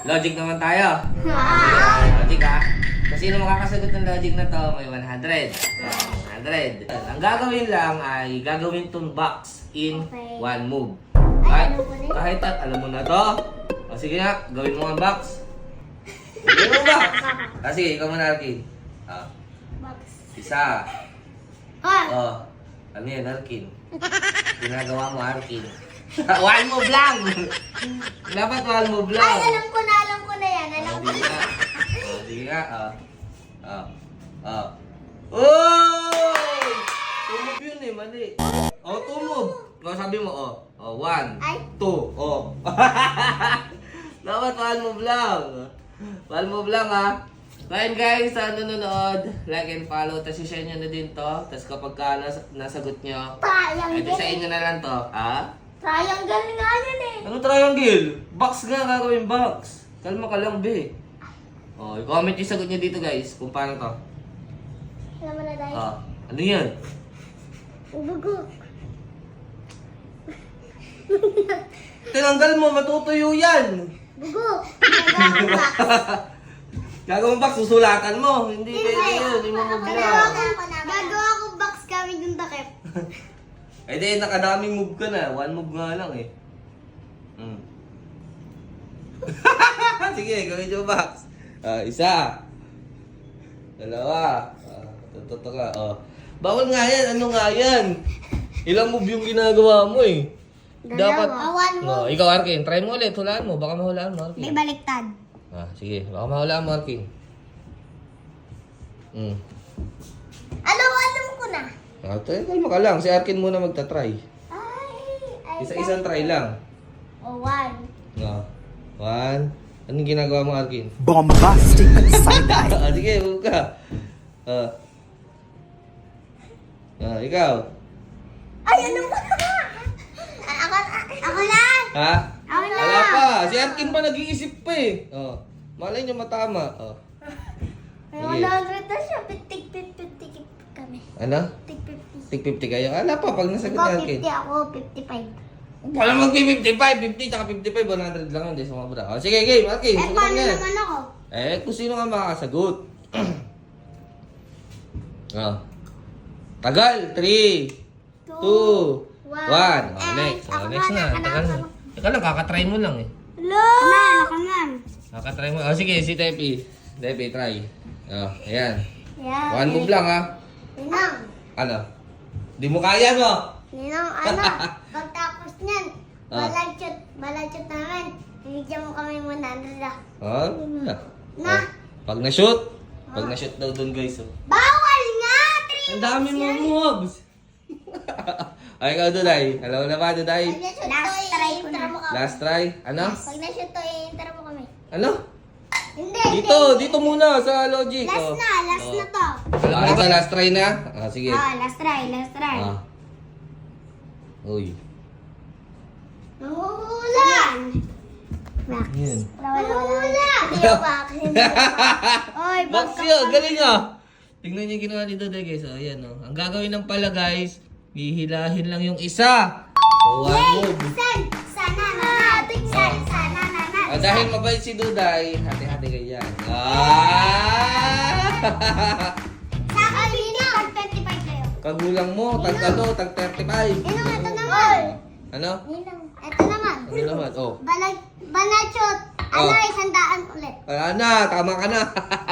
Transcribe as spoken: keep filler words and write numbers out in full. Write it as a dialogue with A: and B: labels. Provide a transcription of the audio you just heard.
A: Logic naman tayo. Logic ha. Kung sino makakasagot ng logic na to, may one hundred. one hundred. Ang gagawin lang ay gagawin tong box in
B: Okay.
A: one move.
B: Ay,
A: Kahit,
B: alam ko na yun.
A: kahit at alam mo na to. O sige nga, gawin mo ang box. Gawin mo ang box. Ah, sige, ikaw muna, Arkin. Ah,
B: Box.
A: isa.
B: Ah!
A: Oh, ano yan, Arkin? Ginagawa mo, Arkin. One move lang! Dapat one move lang.
B: Ay, alam ko na, alam ko na yan. Alam
A: Oh,
B: ko
A: sige
B: na.
A: nga. Oh, sige nga. Oh. Oh. Oh. Oh! Tumove yun eh, mali. Oh, tumove. Oh, sabi mo, oh. Oh, one.
B: Ay.
A: Two. Oh. Dapat one move lang. One move lang, ha. Kain guys, sa nanonood, like and follow, tapos i-share nyo na din to. Tapos kapag ka nas- nasagot nyo, edi sa
B: Triangle.
A: inyo na lang to. Ha?
B: Triangle nga yan eh.
A: Ano triangle? Box nga, gagawin box. Kalma ka lang, be. Oh, i-comment yung sagot niyo dito, guys, kung paano to.
B: Alam mo na dahil.
A: Ah, ano yan?
B: Ubugok.
A: Tinanggal mo, matutuyo yan.
B: Bugok. Nagawang box.
A: Gagawin box, susulatan mo. Hindi pwede yun, hindi mo
B: Gagawa
A: mabula.
B: ko, gagawa ko box kami yung takip.
A: Eh di, nakadaming move ka na. One move nga lang eh. Hmm. Sige, gawin yung box. Ah, isa. Dalawa. Ah, tututo ka. Oh. Bawal nga yan. Ano nga yan? Ilang move yung ginagawa mo eh. Dapat.
B: Ah, one move.
A: No, ikaw, Arkin. Try mo ulit. Hulaan mo. Baka mahulaan mo,
B: May
A: Arkin.
B: baliktad.
A: Ah, sige. Baka mahulaan mo, Arkin. Hmm.
B: Alam mo, alam ko na.
A: Ah, try, kalma ka lang. Si Arkin muna magta-try.
B: Ay, ay.
A: Isa-isang try lang.
B: O, one.
A: No. One. Anong ginagawa mo, Arkin?
C: Bombastic side-eye.
A: Ah, sige, huwag ka. Ah. Ah, ikaw.
B: Ay, ano mo? Ako, ako na.
A: Ha?
B: Ako na.
A: Wala pa. Si Arkin pa nag-iisip pa eh. Oh. Malay niyo matama. Oh.
B: Ay,
A: Sige.
B: one hundred na siya. Pitik-pitik kami.
A: Ano?
B: Pitik-fifty.
A: Tig fifty kayo? Ala pa, pag nasagot
B: Ikaw,
A: ni Arkin.
B: fifty. Ako, fifty-five.
A: Wala mag-fifty-five. fifty tsaka fifty-five. one hundred lang. Hindi sumabra. Oh, sige, game. Arkin.
B: Eh,
A: sagutan
B: paano
A: niya.
B: naman ako?
A: Eh, kung sino nga makakasagot. Oh. Tagal. three, two, one. Oh,
B: Eh,
A: next. Oh,
B: ako
A: next
B: na,
A: na.
B: ako na,
A: Tagal na.
B: ako
A: Teka lang, kakatry mo lang eh.
B: Hello! Ako na,
A: Kakatry mo. Oh, sige, si Tepi. Tepi, try. Oh, ayan.
B: Yan.
A: One move lang ha.
B: Ninang.
A: Ano? Di mo kaya, no?
B: Ninang, ano? Pagtapos niyan,
A: Ah.
B: balagchot, balagchot namin. Bibigyan mo kami one hundred ah.
A: Oh, na.
B: Na.
A: Oh, pag na-shoot. Pag na-shoot daw dun, guys. Oh.
B: Bawal nga! Three
A: Ang dami mo moves. Ay, ikaw, Duday. Alam mo na ba, Duday?
B: Pag na-shoot to, i-intro mo kami.
A: Last try. Ano?
B: Pag na-shoot to, i-intro mo kami.
A: Ano?
B: Hindi.
A: Dito, dito muna sa logic.
B: Last
A: oh.
B: na, last
A: Oh.
B: na to.
A: Ah, ito, last try na? Ah, sige.
B: Ah, last try, last try.
A: Ah. Uy.
B: Nanguhula! Max.
A: Yan.
B: Nanguhula! Hindi ako Max. Hindi ako Max. Oy,
A: Box
B: bagka
A: yun,
B: kami.
A: galing ah. Tingnan niyo yung ginawa dito, guys. Oh, ayan, oh. Ang gagawin ng pala, guys, hihilahin lang yung isa. So, one move.
B: San? Sana na natin. San? Sana na natin.
A: Ah, dahil mabait si Duday, hati-hati kayo yan. Ah!
B: Sa akin, Ninang. Tag twenty-five kayo.
A: Kagulang mo, tag ano, tag thirty-five.
B: Ninang, ito naman.
A: Ano?
B: Ninang, ito naman.
A: Ano naman? Oh.
B: Balag, banachot. Ano,
A: Oh.
B: isang daan ulit.
A: Wala na, tama ka na.